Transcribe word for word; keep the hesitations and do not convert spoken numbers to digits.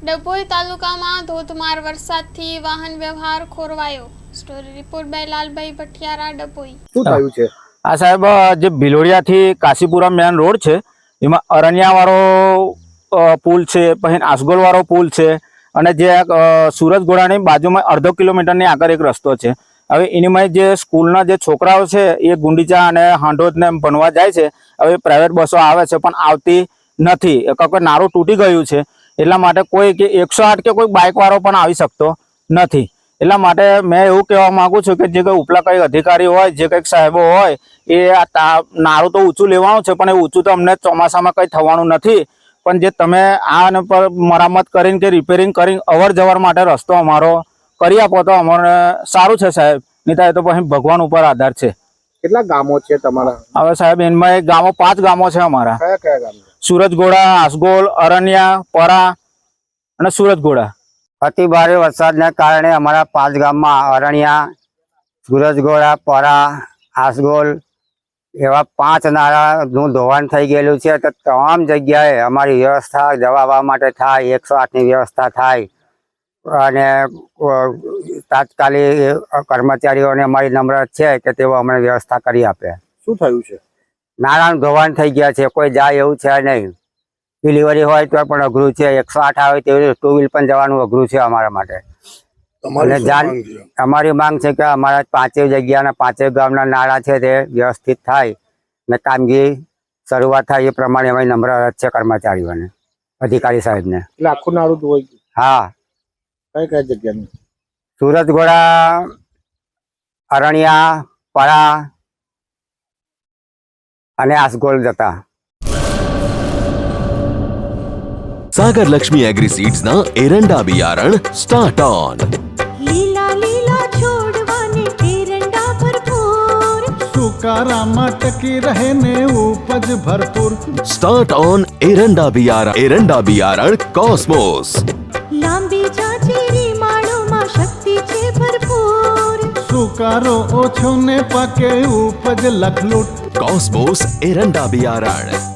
ડભોઈ તાલુકામાં ધોધમાર વરસાદથી વાહન વ્યવહાર ખોરવાયો। Story report by Lalbhai Bhatiyara, Dabhoi. શું થયું છે આ સાહેબ? જે ભિલોડિયાથી કાશીપુરા મેન રોડ છે એમાં અરણિયાવાળો પુલ છે, પછી આસગોલવાળો પુલ છે અને જે સુરજગોળાની બાજુમાં અડધો કિલોમીટરની આગળ એક રસ્તો છે। હવે એનીમાં જે સ્કૂલના જે છોકરાઓ છે એ ગુંડીચા અને હાંડોદને ભણવા જાય છે। હવે પ્રાઇવેટ બસો આવે છે પણ આવતી નથી, કોઈ નારું તૂટી ગયું છે એટલા માટે કોઈ કે એકસો આઠ કે કોઈ બાઇકવાળો પણ આવી શકતો નથી। એટલા માટે મેં એવું કહેવા માગું છું કે જે કંઈ ઉપલા કંઈ અધિકારી હોય, જે કંઈક સાહેબો હોય, એ આ નારું તો ઊંચું લેવાનું છે પણ એ ઊંચું તો અમને ચોમાસામાં કંઈ થવાનું નથી, પણ જે તમે આ પર મરામત કરીને કે રિપેરિંગ કરીને અવર જવર માટે રસ્તો અમારો કરી આપો તો અમને સારું છે સાહેબ, નહીં થાય તો પછી ભગવાન ઉપર આધાર છે। કેટલા ગામો છે તમારા? હવે સાહેબ એમાં એક ગામો પાંચ ગામો છે અમારા। કયા કયા ગામ? સુરજગોળા, આસગોલ, અરણિયા, પરા અને સુરજગોળા। અતિ ભારે વરસાદને કારણે અમારા પાંચ ગામમાં અરણિયા, સુરજગોળા, પરા, આસગોલ એવા પાંચ નાળાનું ધોવાણ થઈ ગયેલું છે। તો તમામ જગ્યાએ અમારી વ્યવસ્થા જવા આવવા માટે થાય, એકસો આઠની વ્યવસ્થા થાય અને તાત્કાલિક કર્મચારીઓને અમારી નમ્ર છે કે તેઓ અમને વ્યવસ્થા કરી આપે। શું થયું છે? નાણાંનું ધોવાણ થઈ ગયા છે, કોઈ જાય એવું છે નહીં। ડિલિવરી હોય તો પણ અઘરું છે, એકસો આઠ આવે તેવી ટુ વ્હીલ પણ જવાનું અઘરું છે અમારા માટે। અને જાણ અમારી માંગ છે કે અમારા પાંચેય જગ્યાના પાંચેય ગામના નાળા છે તે વ્યવસ્થિત થાય ને કામગીરી શરૂઆત થાય એ પ્રમાણે અમારી નમ્ર અરજ છે કર્મચારીઓને, અધિકારી સાહેબને। એટલે આખું નાળું ધોવાઈ ગયું? હા। કઈ કઈ જગ્યાનું? સુરજગોળા, અરણિયા, પરા અને આસગોલ જતા। सागर लक्ष्मी एग्रीसीड्स ना एरंडा बियारण स्टार्ट ऑन। લીલા લીલા છોડવાને એરંડા ભરપૂર, સુકારામાં ટકી રહે ને ઉપજ ભરપૂર। स्टार्ट ऑन एरंडा बियारण एरंડા बियारण कॉस्मोस। લાંબી જાચેરી માળોમાં શક્તિ છે ભરપૂર, સુકારો ઓછો ને પાકે ઉપજ લખલૂટ। कॉस्मोस एरंડા बियारण।